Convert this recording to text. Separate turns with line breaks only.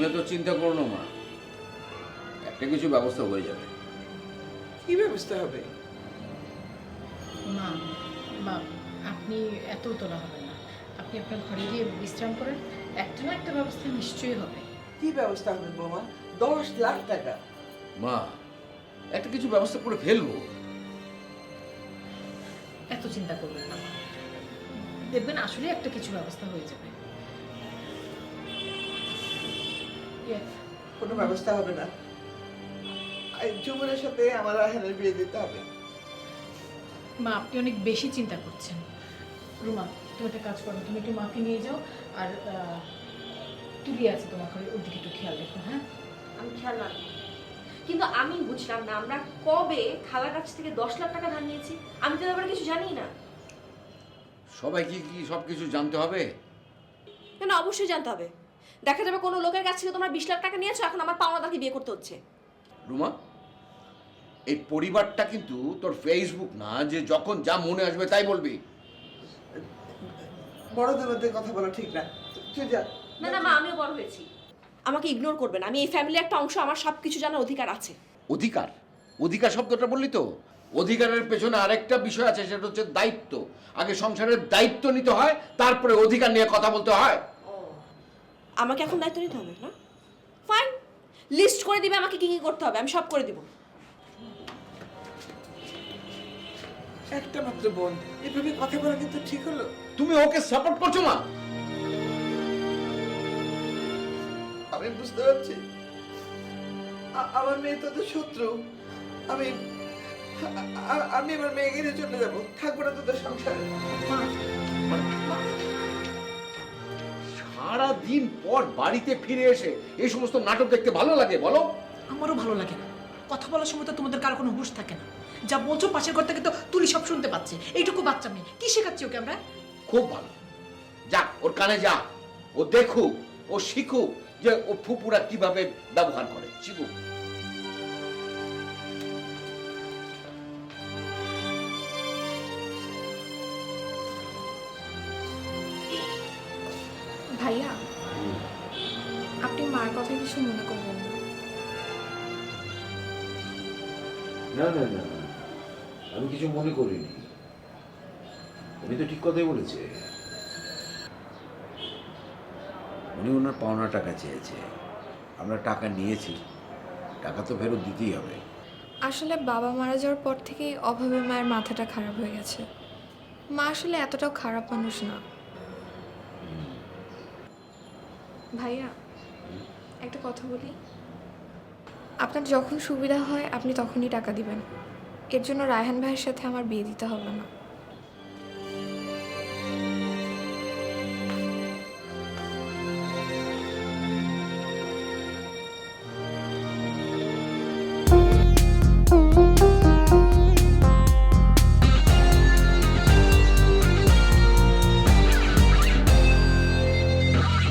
তুমি তো চিন্তা করো না মা, একটা কিছু ব্যবস্থা হয়ে যাবে।
কি ব্যবস্থা হবে?
মা, মা, আপনি এত তোলা হবে না। আপনি আপনার ঘরে গিয়ে বিশ্রাম করেন, একটা না একটা ব্যবস্থা নিশ্চয়ই হবে।
কি ব্যবস্থা হবে বৌমা? 10 লাখ টাকা।
মা, একটা কিছু ব্যবস্থা করে ফেলবো।
এত চিন্তা করবেন না মা, দেখবেন আসলে একটা কিছু ব্যবস্থা হয়ে যাবে।
কোনো ব্যবস্থা হবে না। জুমনের সাথে আমার রায়হানের বিয়ে দিতে হবে।
মা, আপনি অনেক বেশি চিন্তা করছেন। রুমা, তুমি একটা কাজ করো, তুমি একটু মাকে নিয়ে যাও, আর তুলি আছে তোমার ঘরে, ওর দিকে একটু খেয়াল রেখো। হ্যাঁ,
আমি খেয়াল রাখবো, কিন্তু আমি বুঝলাম না আমরা কবে খালার কাছ থেকে 10 লাখ টাকা ধার নিয়েছি? আমি তো ব্যাপারে কিছু জানি না।
সবাইকে কি সবকিছু জানতে হবে?
কেন, অবশ্যই জানতে হবে। দেখা যাবে কোনো লোকের কাছ থেকে তোমরা 20 লাখ টাকা নিয়েছো, এখন আমার পাওনাদারকে বিয়ে করতে হচ্ছে।
রুমা, এই পরিবারটা কিন্তু তোর ফেসবুক না যে যখন যা মনে আসবে তাই বলবি।
বড়দের মধ্যে কথা বলা ঠিক না। তুই যা।
না না মা, আমিও বড় হয়েছি, আমাকে ইগনোর করবে না। আমি এই ফ্যামিলির একটা অংশ, আমার সবকিছু জানার অধিকার আছে।
অধিকার? অধিকার শব্দটা বললি তো, অধিকারের পেছনে আরেকটা বিষয় আছে, সেটা হচ্ছে দায়িত্ব। আগে সংসারের দায়িত্ব নিতে হয়, তারপরে অধিকার নিয়ে কথা বলতে হয়।
আমাকে এখন দায়িত্ব নিতে হবে না? ফাইন, লিস্ট করে দিবে আমাকে কি কি করতে হবে, আমি সব করে দিব।
একটা মাত্র বোন, এভাবে কথা বলা কিন্তু ঠিক হলো?
তুমি ওকে সাপোর্ট করছো মা?
আমি বুঝতে পারছি আমার মেয়ে তোদের শত্রু। আমি আমি আমার মেয়েকে নিয়ে চলে যাবো, থাকবো না তোদের সংসারে।
সারা দিন পর বাড়িতে ফিরে এসে এই সমস্ত নাটক দেখতে ভালো লাগে বলো?
আমারও ভালো লাগে না। কথা বলার সময় তো তোমাদের কারো কোনো হুঁশ থাকে না। যা বলছো পাশের ঘর থেকে তো তুলি সব শুনতে পাচ্ছে। এইটুকু বাচ্চা মেয়ে, কি শেখাচ্ছি ওকে আমরা?
খুব ভালো, যাক ওর কানে যা, ও দেখুক, ও শিখুক যে ও ফুপুরা কিভাবে ব্যবহার করে, শিখুক।
ভাইয়া, আপনি মার কথা কিছু মনে করবেন না।
না না না, আমি কিছু মনে করিনি। উনি তো ঠিক কথাই বলেছে। উনি ওনার পাওনা টাকা চেয়েছে, আমরা টাকা নিয়েছি, টাকা তো ফেরত দিতেই হবে।
আসলে বাবা মারা যাওয়ার পর থেকেই অভাবে মায়ের মাথাটা খারাপ হয়ে গেছে। মা আসলে এতটাও খারাপ মানুষ না। ভাইয়া, একটা কথা বলি, আপনার যখন সুবিধা হয় আপনি তখনই টাকা দিবেন। এর জন্য রায়হান ভাইয়ের সাথে আমার বিয়ে দিতে হবে না।